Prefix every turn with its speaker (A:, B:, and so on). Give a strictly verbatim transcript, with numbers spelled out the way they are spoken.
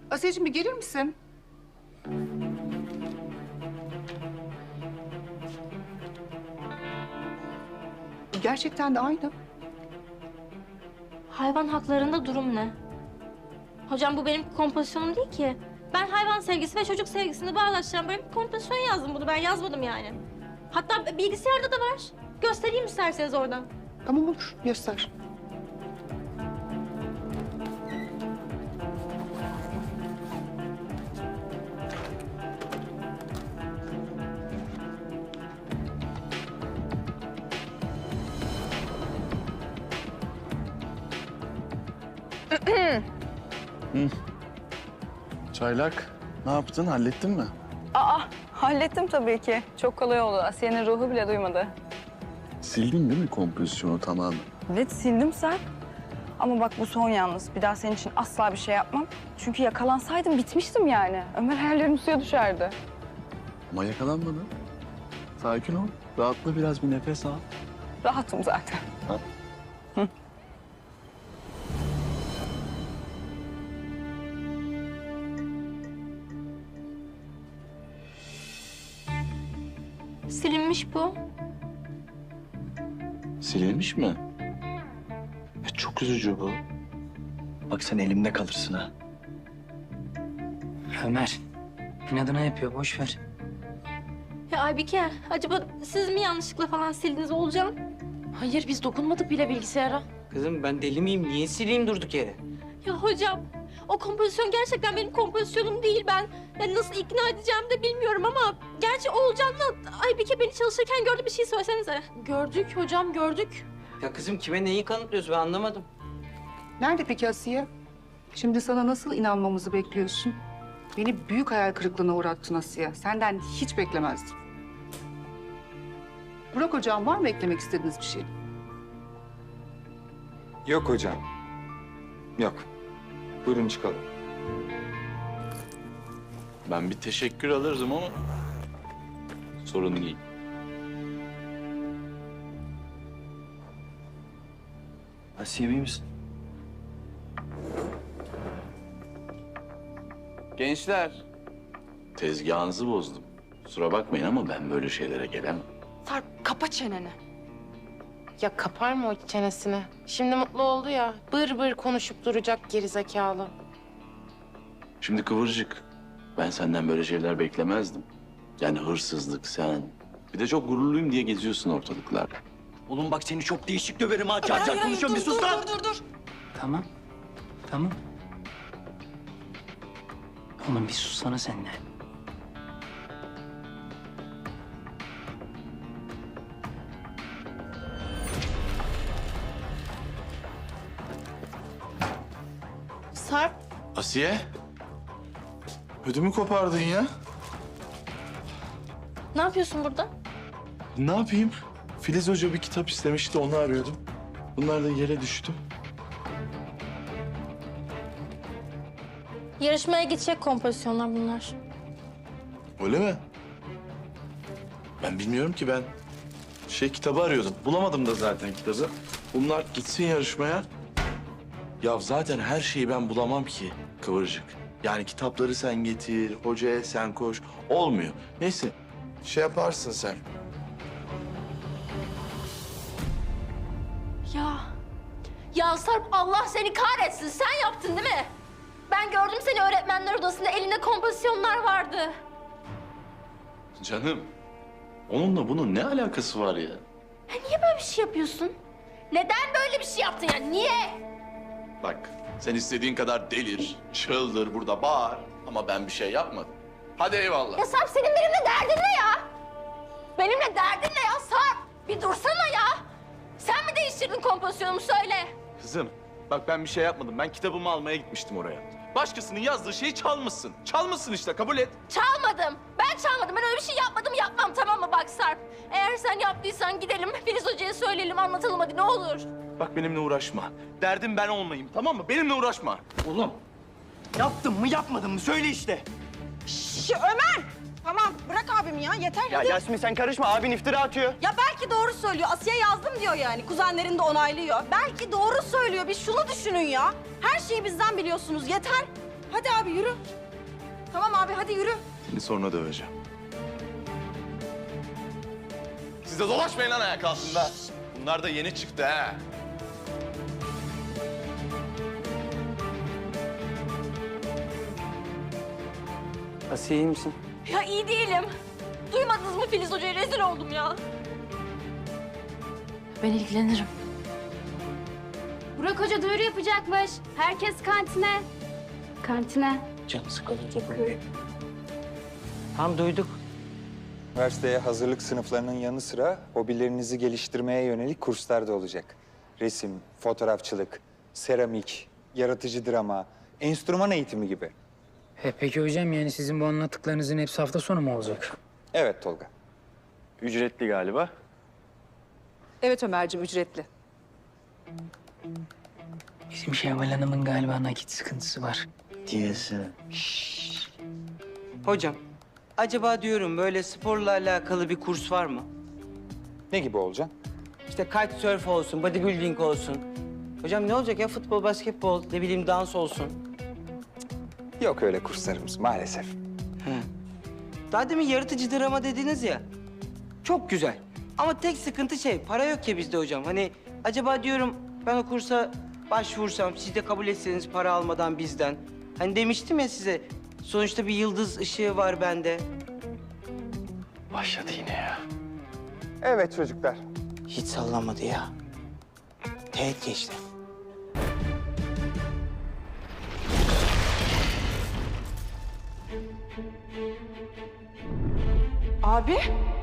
A: Asiyeciğim bir gelir misin? Gerçekten de aynı.
B: Hayvan haklarında durum ne? Hocam bu benim kompozisyonum değil ki. Ben hayvan sevgisi ve çocuk sevgisini bağdaştıran böyle bir kompozisyon yazdım bunu. Ben yazmadım yani. Hatta bilgisayarda da var. Göstereyim isterseniz oradan.
A: Tamam olur, göster.
C: Çaylak, ne yaptın? Hallettin mi?
D: Aa, hallettim tabii ki. Çok kolay oldu. Asiye'nin ruhu bile duymadı.
C: Sildin değil mi kompozisyonu tamamen?
D: Evet, sildim sen. Ama bak bu son yalnız. Bir daha senin için asla bir şey yapmam. Çünkü yakalansaydım bitmiştim yani. Ömer hayallerim suya düşerdi.
C: Ama yakalanmadın. Sakin ol. Rahatla biraz, bir nefes al.
D: Rahatım zaten.
C: Ha?
D: Hı.
B: Silinmiş bu.
C: Silinmiş mi? E, çok üzücü bu.
E: Bak sen elimde kalırsın ha.
F: Ömer, inadına yapıyor, boş ver.
B: Ya Aybike, acaba siz mi yanlışlıkla falan sildiniz Olcan?
G: Hayır biz dokunmadık bile bilgisayara.
F: Kızım ben deli miyim? Niye sileyim durduk yere?
B: Ya hocam, o kompozisyon gerçekten benim kompozisyonum değil. Ben yani nasıl ikna edeceğimi de bilmiyorum ama... Gerçi Oğulcan'la Aybike beni çalışırken gördü, bir şey söylesenize.
G: Gördük hocam gördük.
F: Ya kızım kime neyi kanıtlıyorsun ben anlamadım.
A: Nerede peki Asiye? Şimdi sana nasıl inanmamızı bekliyorsun? Beni büyük hayal kırıklığına uğrattın Asiye. Senden hiç beklemezdim. Burak hocam, var mı eklemek istediğiniz bir şey?
H: Yok hocam. Yok. Buyurun çıkalım.
C: Ben bir teşekkür alırdım ama sorun değil.
E: Asiye iyi misin?
C: Gençler, tezgahınızı bozdum. Kusura bakmayın ama ben böyle şeylere gelemem.
G: Sarp kapa çeneni. Ya kapar mı o çenesini? Şimdi mutlu oldu ya. Bır bır konuşup duracak gerizekalı.
C: Şimdi Kıvırcık, ben senden böyle şeyler beklemezdim. Yani hırsızlık sen. Bir de çok gururluyum diye geziyorsun ortalıklarda.
E: Oğlum bak seni çok değişik döverim ha. Car car konuşuyorum bir sus lan.
F: Tamam, tamam. Oğlum bir sussana sen de.
G: Sarp
C: Asiye, ödümü kopardın ya.
B: Ne yapıyorsun burada?
C: Ne yapayım? Filiz Hoca bir kitap istemişti, onu arıyordum. Bunlar da yere düştü.
B: Yarışmaya gidecek kompozisyonlar bunlar.
C: Öyle mi? Ben bilmiyorum ki, ben şey kitabı arıyordum. Bulamadım da zaten kitabı. Bunlar gitsin yarışmaya. Ya zaten her şeyi ben bulamam ki Kıvırcık. Yani kitapları sen getir, hocaya sen koş. Olmuyor. Neyse, şey yaparsın sen.
B: Ya, ya Sarp Allah seni kahretsin. Sen yaptın değil mi? Ben gördüm seni öğretmenler odasında, elinde kompozisyonlar vardı.
C: Canım, onunla bunun ne alakası var ya?
B: Ya niye böyle bir şey yapıyorsun? Neden böyle bir şey yaptın ya? Niye?
C: Bak, sen istediğin kadar delir, çıldır, burada bağır. Ama ben bir şey yapmadım. Hadi eyvallah.
B: Ya Sarp senin benimle derdin ne ya? Benimle derdin ne ya Sarp? Bir dursana ya. Sen mi değiştirdin kompozisyonumu söyle.
C: Kızım, bak ben bir şey yapmadım. Ben kitabımı almaya gitmiştim oraya. Başkasının yazdığı şeyi çalmışsın. Çalmışsın işte, kabul et.
B: Çalmadım. Ben çalmadım. Ben öyle bir şey yapmadım, yapmam tamam mı bak Sarp? Eğer sen yaptıysan gidelim Filiz Hoca'ya söyleyelim, anlatalım hadi ne olur.
C: Bak benimle uğraşma. Derdim ben olmayayım, tamam mı? Benimle uğraşma.
E: Oğlum yaptım mı yapmadım mı söyle işte.
I: Şş, Ömer! Tamam bırak abimi ya yeter
E: Ya
I: hadi.
E: Yasmin sen karışma abin iftira atıyor.
I: Ya belki doğru söylüyor. Asiye yazdım diyor yani. Kuzenlerin de onaylıyor. Belki doğru söylüyor. Bir şunu düşünün ya. Her şeyi bizden biliyorsunuz. Yeter. Hadi abi yürü. Tamam abi hadi yürü.
C: Seni sonra döveceğim. Siz de dolaşmayın lan ayak altında. Bunlar da yeni çıktı ha.
F: Asiye iyi misin?
B: Ya iyi değilim. Duymadınız mı Filiz Hoca'ya? Rezil oldum ya. Ben ilgilenirim.
J: Burak Hoca duyuru yapacakmış. Herkes kantine. Kantine.
F: Canı sıkılınca böyle. Tamam duyduk.
H: Üniversiteye hazırlık sınıflarının yanı sıra hobilerinizi geliştirmeye yönelik kurslar da olacak. Resim, fotoğrafçılık, seramik, yaratıcı drama, enstrüman eğitimi gibi.
K: He, peki hocam yani sizin bu anlattıklarınızın hepsi hafta sonu mu olacak?
H: Evet Tolga.
C: Ücretli galiba.
A: Evet Ömerciğim, ücretli.
K: Bizim Şevval Hanım'ın galiba nakit sıkıntısı var.
F: Diyorsun. Hocam, acaba diyorum böyle sporla alakalı bir kurs var mı?
H: Ne gibi olacak?
F: İşte kitesurf olsun, bodybuilding olsun. Hocam ne olacak ya futbol, basketbol, ne bileyim dans olsun.
H: Yok öyle kurslarımız maalesef.
F: Daha demin yaratıcı drama dediniz ya. Çok güzel. Ama tek sıkıntı şey, para yok ya bizde hocam. Hani acaba diyorum ben o kursa başvursam, siz de kabul etseniz para almadan bizden. Hani demiştim ya size, sonuçta bir yıldız ışığı var bende.
C: Başladı yine ya.
H: Evet çocuklar.
F: Hiç sallamadı ya. Teğet geçti.
I: Abi